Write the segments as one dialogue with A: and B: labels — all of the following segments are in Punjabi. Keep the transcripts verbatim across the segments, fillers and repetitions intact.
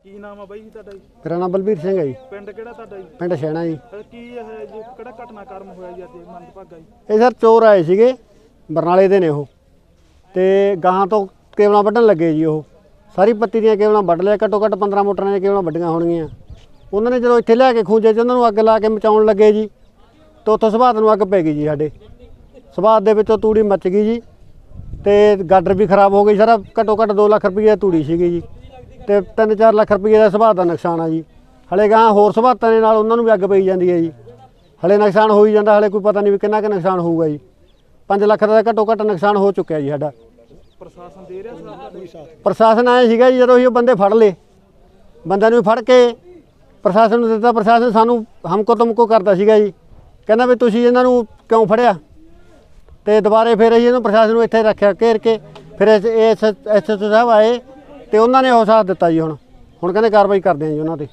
A: ਕੀ ਨਾਮ ਆ ਬਾਈ ਜੀ ਤੁਹਾਡਾ ਜੀ?
B: ਮੇਰਾ ਨਾਮ ਬਲਬੀਰ ਸਿੰਘ ਹੈ ਜੀ।
A: ਪਿੰਡ ਕਿਹੜਾ ਤੁਹਾਡਾ ਜੀ?
B: ਪਿੰਡ ਸ਼ੈਣਾ ਜੀ।
A: ਕੀ ਇਹ ਜੀ ਕਿਹੜਾ ਘਟਨਾਕ੍ਰਮ ਹੋਇਆ ਜੀ ਅੱਜ ਮੰਦਭਾਗਾ ਜੀ?
B: ਇਹ ਸਰ ਚੋਰ ਆਏ ਸੀਗੇ, ਬਰਨਾਲੇ ਦੇ ਨੇ ਉਹ, ਤੇ ਗਾਹਾਂ ਤੋਂ ਕੇਬਲਾਂ ਵੱਢਣ ਲੱਗੇ ਜੀ। ਉਹ ਸਾਰੀ ਪੱਤੀ ਦੀਆਂ ਕੇਬਲਾਂ ਵੱਢ ਲਿਆ, ਘੱਟੋ ਘੱਟ ਪੰਦਰਾਂ ਮੋਟਰਾਂ ਦੀਆਂ ਕੇਬਲਾਂ ਵੱਡੀਆਂ ਹੋਣਗੀਆਂ। ਉਹਨਾਂ ਨੇ ਜਦੋਂ ਇੱਥੇ ਲਿਆ ਕੇ ਖੂੰਜੇ 'ਚ ਉਹਨਾਂ ਨੂੰ ਅੱਗ ਲਾ ਕੇ ਮਚਾਉਣ ਲੱਗੇ ਜੀ, ਤਾਂ ਉੱਥੋਂ ਸਵਾਤ ਨੂੰ ਅੱਗ ਪੈ ਗਈ ਜੀ। ਸਾਡੇ ਸਵਾਤ ਦੇ ਵਿੱਚੋਂ ਤੂੜੀ ਮੱਚ ਗਈ ਜੀ, ਤੇ ਗਾਡਰ ਵੀ ਖਰਾਬ ਹੋ ਗਈ। ਸਾਰਾ ਘੱਟੋ ਘੱਟ ਦੋ ਲੱਖ ਰੁਪਈਏ ਤੂੜੀ ਸੀਗੀ ਜੀ, ਤੇ ਤਿੰਨ ਚਾਰ ਲੱਖ ਰੁਪਈਏ ਦਾ ਸਵਾਤ ਦਾ ਨੁਕਸਾਨ ਆ ਜੀ। ਹਲੇ ਗਾਂ ਹੋਰ ਸਵਾਤਾਂ ਦੇ ਨਾਲ ਉਹਨਾਂ ਨੂੰ ਵੀ ਅੱਗ ਪਈ ਜਾਂਦੀ ਹੈ ਜੀ। ਹਲੇ ਨੁਕਸਾਨ ਹੋ ਹੀ ਜਾਂਦਾ, ਹਲੇ ਕੋਈ ਪਤਾ ਨਹੀਂ ਵੀ ਕਿੰਨਾ ਕੁ ਨੁਕਸਾਨ ਹੋਊਗਾ ਜੀ। ਪੰਜ ਲੱਖ ਦਾ ਘੱਟੋ ਘੱਟ ਨੁਕਸਾਨ ਹੋ ਚੁੱਕਿਆ ਜੀ ਸਾਡਾ।
A: ਪ੍ਰਸ਼ਾਸਨ ਦੇ ਰਿਹਾ ਸਾਥ?
B: ਪ੍ਰਸ਼ਾਸਨ ਆਏ ਸੀਗਾ ਜੀ, ਜਦੋਂ ਅਸੀਂ ਉਹ ਬੰਦੇ ਫੜ ਲਏ, ਬੰਦਿਆਂ ਨੂੰ ਫੜ ਕੇ ਪ੍ਰਸ਼ਾਸਨ ਨੂੰ ਦਿੱਤਾ। ਪ੍ਰਸ਼ਾਸਨ ਸਾਨੂੰ ਹਮਕੋ ਤੁਮਕੋ ਕਰਦਾ ਸੀਗਾ ਜੀ, ਕਹਿੰਦਾ ਵੀ ਤੁਸੀਂ ਇਹਨਾਂ ਨੂੰ ਕਿਉਂ ਫੜਿਆ। ਤੇ ਦੁਬਾਰੇ ਫਿਰ ਅਸੀਂ ਇਹਨੂੰ ਪ੍ਰਸ਼ਾਸਨ ਨੂੰ ਇੱਥੇ ਰੱਖਿਆ ਘੇਰ ਕੇ। ਫਿਰ ਐਸ ਐਸ ਓ ਸਾਹਿਬ ਆਏ ਤੇ ਉਹਨਾਂ ਨੇ ਉਹ ਸਾਥ ਦਿੱਤਾ ਜੀ। ਹੁਣ ਹੁਣ ਕਹਿੰਦੇ ਕਾਰਵਾਈ ਕਰਦੇ ਆ ਜੀ ਉਹਨਾਂ ਤੇ।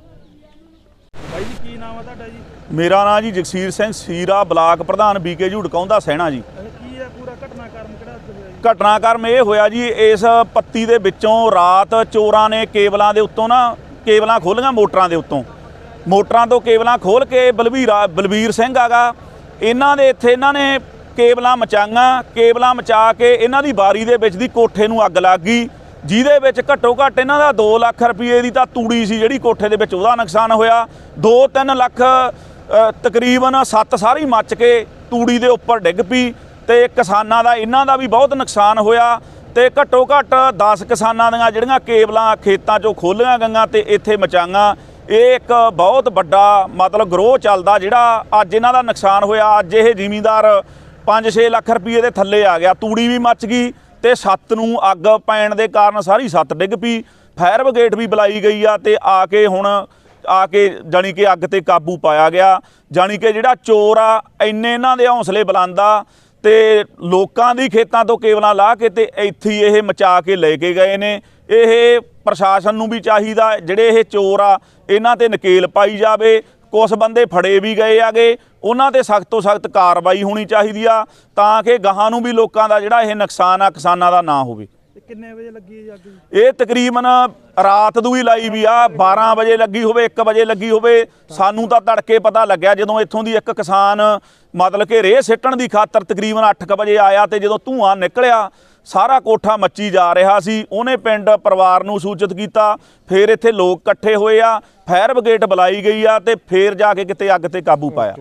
A: ਬਾਈ ਜੀ ਕੀ ਨਾਮ ਆ ਤੁਹਾਡਾ ਜੀ?
C: ਮੇਰਾ ਨਾਮ ਜੀ ਜਗਸੀਰ ਸਿੰਘ ਸੀਰਾ, ਬਲਾਕ ਪ੍ਰਧਾਨ ਬੀਕੇ ਝੂੜਕਾਉਂਦਾ ਸਹਿਣਾ ਜੀ।
A: ਕੀ ਹੈ ਪੂਰਾ ਘਟਨਾਕ੍ਰਮ ਕਿਹੜਾ ਹੋਇਆ ਜੀ?
C: ਘਟਨਾਕ੍ਰਮ ਇਹ ਹੋਇਆ ਜੀ, ਇਸ ਪੱਤੀ ਦੇ ਵਿੱਚੋਂ ਰਾਤ ਚੋਰਾਂ ਨੇ ਕੇਬਲਾਂ ਦੇ ਉੱਤੋਂ ਨਾ ਕੇਬਲਾਂ ਖੋਲ੍ਹੀਆਂ, ਮੋਟਰਾਂ ਦੇ ਉੱਤੋਂ ਮੋਟਰਾਂ ਤੋਂ ਕੇਬਲਾਂ ਖੋਲ੍ਹ ਕੇ ਬਲਵੀਰਾ ਬਲਵੀਰ ਸਿੰਘ ਆਗਾ ਇਹਨਾਂ ਦੇ ਇੱਥੇ ਇਹਨਾਂ ਨੇ ਕੇਬਲਾਂ ਮਚਾਈਆਂ। ਕੇਬਲਾਂ ਮਚਾ ਕੇ ਇਹਨਾਂ ਦੀ ਬਾਰੀ ਦੇ ਵਿੱਚ ਦੀ ਕੋਠੇ ਨੂੰ ਅੱਗ ਲੱਗ ਗਈ, ਜਿਹਦੇ ਵਿੱਚ ਘੱਟੋ ਘੱਟ ਇਹਨਾਂ ਦਾ ਦੋ ਲੱਖ ਰੁਪਏ ਦੀ ਤਾਂ ਤੂੜੀ ਸੀ ਜਿਹੜੀ ਕੋਠੇ ਦੇ ਵਿੱਚ, ਉਹਦਾ ਨੁਕਸਾਨ ਹੋਇਆ। ਦੋ ਤਿੰਨ ਲੱਖ ਤਕਰੀਬਨ ਸੱਤ ਸਾਰੀ ਮੱਚ ਕੇ ਤੂੜੀ ਦੇ ਉੱਪਰ ਡਿੱਗ ਪਈ, ਤੇ ਕਿਸਾਨਾਂ ਦਾ ਇਹਨਾਂ ਦਾ ਵੀ ਬਹੁਤ ਨੁਕਸਾਨ ਹੋਇਆ। ਤੇ ਘੱਟੋ ਘੱਟ ਦਸ ਕਿਸਾਨਾਂ ਦੀਆਂ ਜਿਹੜੀਆਂ ਕੇਬਲਾਂ ਖੇਤਾਂ 'ਚੋਂ ਖੋਲ੍ਹੀਆਂ ਗਈਆਂ ਤੇ ਇੱਥੇ ਮਚਾਈਆਂ। ਇਹ ਇੱਕ ਬਹੁਤ ਵੱਡਾ ਮਤਲਬ ਗਰੋਹ ਚੱਲਦਾ ਜਿਹੜਾ ਅੱਜ ਇਹਨਾਂ ਦਾ ਨੁਕਸਾਨ ਹੋਇਆ। ਅੱਜ ਇਹ ਜ਼ਿਮੀਂਦਾਰ ਪੰਜ ਛੇ ਲੱਖ ਰੁਪਏ ਦੇ ਥੱਲੇ ਆ ਗਿਆ। ਤੂੜੀ ਵੀ ਮੱਚ ਗਈ ਤੇ ਛੱਤ ਨੂੰ ਅੱਗ ਪੈਣ ਦੇ ਕਾਰਨ ਸਾਰੀ ਛੱਤ ਡਿੱਗ ਪਈ। ਫਾਇਰ ਬ੍ਰਿਗੇਡ ਵੀ ਬੁਲਾਈ ਗਈ ਆ, ਤੇ ਆ ਕੇ ਹੁਣ ਆ ਕੇ ਜਾਣੀ ਕਿ ਅੱਗ ਤੇ ਕਾਬੂ ਪਾਇਆ ਗਿਆ। ਜਾਣੀ ਕਿ ਜਿਹੜਾ ਚੋਰ ਆ ਇੰਨੇ ਇਹਨਾਂ ਦੇ ਹੌਸਲੇ ਬੁਲੰਦ ਆ, ਤੇ ਲੋਕਾਂ ਦੀ ਖੇਤਾਂ ਤੋਂ ਕੇਬਲਾਂ ਲਾ ਕੇ ਤੇ ਇੱਥੇ ਇਹ ਮਚਾ ਕੇ ਲੈ ਕੇ ਗਏ ਨੇ। ਇਹ ਪ੍ਰਸ਼ਾਸਨ ਨੂੰ ਵੀ ਚਾਹੀਦਾ, ਜਿਹੜੇ ਇਹ ਚੋਰ ਆ ਇਹਨਾਂ ਤੇ ਨਕੇਲ ਪਾਈ ਜਾਵੇ। ਕੁਛ ਬੰਦੇ ਫੜੇ ਵੀ ਗਏ ਆਗੇ, ਉਹਨਾਂ ਤੇ ਸਖਤ ਤੋਂ ਸਖਤ ਕਾਰਵਾਈ ਹੋਣੀ ਚਾਹੀਦੀ ਆ, ਤਾਂ ਕਿ ਗਾਹਾਂ ਨੂੰ ਵੀ ਲੋਕਾਂ ਦਾ ਜਿਹੜਾ ਇਹ ਨੁਕਸਾਨ ਆ ਕਿਸਾਨਾਂ ਦਾ ਨਾ ਹੋਵੇ।
A: ਕਿੰਨੇ ਵਜੇ ਲੱਗੀ ਹੈ ਅੱਗ?
C: ਇਹ ਤਕਰੀਬਨ ਰਾਤ ਨੂੰ ਹੀ ਲਾਈ ਵੀ ਆ, ਬਾਰਾਂ ਵਜੇ ਲੱਗੀ ਹੋਵੇ, ਇੱਕ ਵਜੇ ਲੱਗੀ ਹੋਵੇ। ਸਾਨੂੰ ਤਾਂ ਤੜਕੇ ਪਤਾ ਲੱਗਿਆ ਜਦੋਂ ਇੱਥੋਂ ਦੀ ਇੱਕ ਕਿਸਾਨ ਮਤਲਬ ਕਿ ਰੇਹ ਸਿੱਟਣ ਦੀ ਖਾਤਰ ਤਕਰੀਬਨ ਅੱਠ ਕੁ ਵਜੇ ਆਇਆ, ਤੇ ਜਦੋਂ ਧੂੰਆਂ ਨਿਕਲਿਆ ਸਾਰਾ ਕੋਠਾ ਮੱਚੀ ਜਾ ਰਿਹਾ ਸੀ। ਉਹਨੇ ਪਿੰਡ ਪਰਿਵਾਰ ਨੂੰ ਸੂਚਿਤ ਕੀਤਾ, ਫਿਰ ਇੱਥੇ ਲੋਕ ਇਕੱਠੇ ਹੋਏ ਆ, ਫਾਇਰ ਬ੍ਰਿਗੇਡ ਬੁਲਾਈ ਗਈ ਆ, ਤੇ ਫਿਰ ਜਾ ਕੇ ਕਿਤੇ ਅੱਗ ਤੇ ਕਾਬੂ ਪਾਇਆ।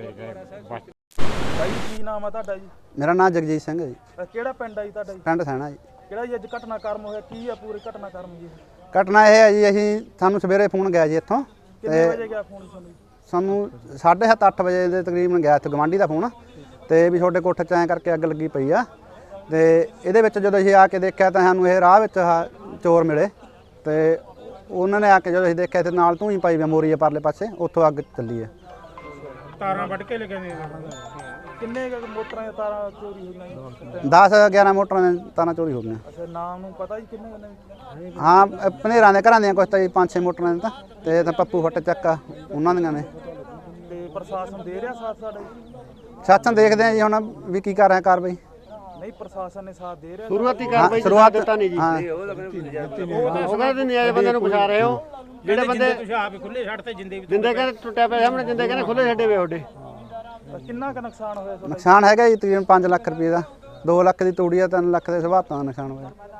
A: ਬਾਈ ਕੀ ਨਾਮ ਆ ਤੁਹਾਡਾ ਜੀ?
B: ਮੇਰਾ ਨਾਮ ਜਗਜੀਤ ਸਿੰਘ ਹੈ ਜੀ।
A: ਕਿਹੜਾ ਪਿੰਡ ਆ ਜੀ ਤੁਹਾਡਾ ਜੀ?
B: ਪਿੰਡ ਸ਼ੈਣਾ ਜੀ।
A: ਕਿਹੜਾ ਜੀ ਅੱਜ ਘਟਨਾਕ੍ਰਮ ਹੋਇਆ? ਕੀ ਆ ਪੂਰੇ ਘਟਨਾਕ੍ਰਮ ਜੀ?
B: ਘਟਨਾ ਇਹ ਹੈ ਜੀ, ਅਸੀਂ ਸਾਨੂੰ ਸਵੇਰੇ ਫੋਨ ਗਿਆ ਜੀ ਇੱਥੋਂ,
A: ਕਿੰਨੇ ਵਜੇ ਗਿਆ ਫੋਨ ਤੁਹਾਨੂੰ?
B: ਸਾਨੂੰ ਸਾਢੇ ਸੱਤ ਅੱਠ ਵਜੇ ਦੇ ਤਕਰੀਬਨ ਗਿਆ ਇੱਥੇ ਗਵਾਂਢੀ ਦਾ ਫੋਨ, ਤੇ ਵੀ ਤੁਹਾਡੇ ਕੋਠੇ 'ਚ ਐਂ ਕਰਕੇ ਅੱਗ ਲੱਗੀ ਪਈ ਆ। ਤੇ ਇਹਦੇ ਵਿੱਚ ਜਦੋਂ ਅਸੀਂ ਆ ਕੇ ਦੇਖਿਆ ਤਾਂ ਸਾਨੂੰ ਇਹ ਰਾਹ ਵਿੱਚ ਆਹ ਚੋਰ ਮਿਲੇ, ਤੇ ਉਹਨਾਂ ਨੇ ਆ ਕੇ ਜਦੋਂ ਅਸੀਂ ਦੇਖਿਆ ਤੇ ਨਾਲ ਧੂੰਈ ਪਾਈ ਵੀ ਮੋਰੀ ਆ ਪਰਲੇ ਪਾਸੇ, ਉੱਥੋਂ ਅੱਗ ਚੱਲੀ ਹੈ।
A: ਤਾਰਾਂ ਵੱਢ ਕੇ ਲੈ ਗਏ ਨੇ? ਕਿੰਨੇ ਕੁ ਮੋਟਰਾਂ ਦੀਆਂ ਤਾਰਾਂ ਚੋਰੀ ਹੋਈਆਂ?
B: ਦਸ ਗਿਆਰਾਂ ਮੋਟਰਾਂ ਦੀਆਂ ਤਾਰਾਂ ਚੋਰੀ ਹੋ ਗਈਆਂ।
A: ਅੱਛਾ, ਨਾਮ ਨੂੰ ਪਤਾ ਜੀ ਕਿੰਨੇ ਕਿੰਨੇ?
B: ਹਾਂ, ਭਨੇਰਾਂ ਦੇ ਘਰਾਂ ਦੀਆਂ ਕੁਛ ਤਾਂ ਜੀ ਪੰਜ ਛੇ ਮੋਟਰਾਂ ਦੀਆਂ, ਤਾਂ ਤੇ ਤਾਂ ਪੱਪੂ ਫੱਟ ਚੱਕਾ ਉਹਨਾਂ ਦੀਆਂ ਨੇ।
A: ਤੇ ਪ੍ਰਸ਼ਾਸਨ ਦੇ ਰਿਹਾ ਸਾਥ ਸਾਡਾ ਜੀ?
B: ਸ਼ਾਸਨ ਦੇਖਦੇ ਆ ਜੀ ਹੁਣ ਵੀ ਕੀ ਕਰ ਰਿਹਾ ਕਾਰਵਾਈ।
A: ਨਹੀਂ, ਪ੍ਰਸ਼ਾਸਨ ਨੇ ਸਾਥ ਦੇ ਰਿਹਾ?
B: ਸ਼ੁਰੂਆਤੀ ਕਾਰਵਾਈ ਸ਼ੁਰੂਆਤ ਦਿੱਤਾ ਨਹੀਂ ਜੀ। ਉਹ ਕਹਿੰਦੇ ਨਿਆਏ ਬੰਦੇ ਨੂੰ ਫਸਾ ਰਹੇ ਹੋ, ਜਿਹੜੇ ਬੰਦੇ
A: ਤੁਸੀਂ ਆਪ ਖੁੱਲੇ ਛੱਡ ਤੇ ਜਿੰਦੇ ਵੀ
B: ਜਿੰਦੇ ਕਹਿੰਦੇ ਟੁੱਟਿਆ ਪਿਆ ਸਾਹਮਣੇ, ਜਿੰਦੇ ਕਹਿੰਦੇ ਖੁੱਲੇ ਛੱਡੇ ਵੇ ਤੁਹਾਡੇ।
A: ਕਿੰਨਾ ਕੁ ਨੁਕਸਾਨ ਹੋਇਆ ਤੁਹਾਡਾ?
B: ਨੁਕਸਾਨ ਹੈਗਾ ਜੀ ਤਕਰੀਬਨ ਪੰਜ ਲੱਖ ਰੁਪਏ ਦਾ। ਦੋ ਲੱਖ ਦੀ ਤੂੜੀ ਆ, ਤਿੰਨ ਲੱਖ ਦੇ ਸਵਾਤਾਂ ਦਾ ਨੁਕਸਾਨ ਹੋਇਆ।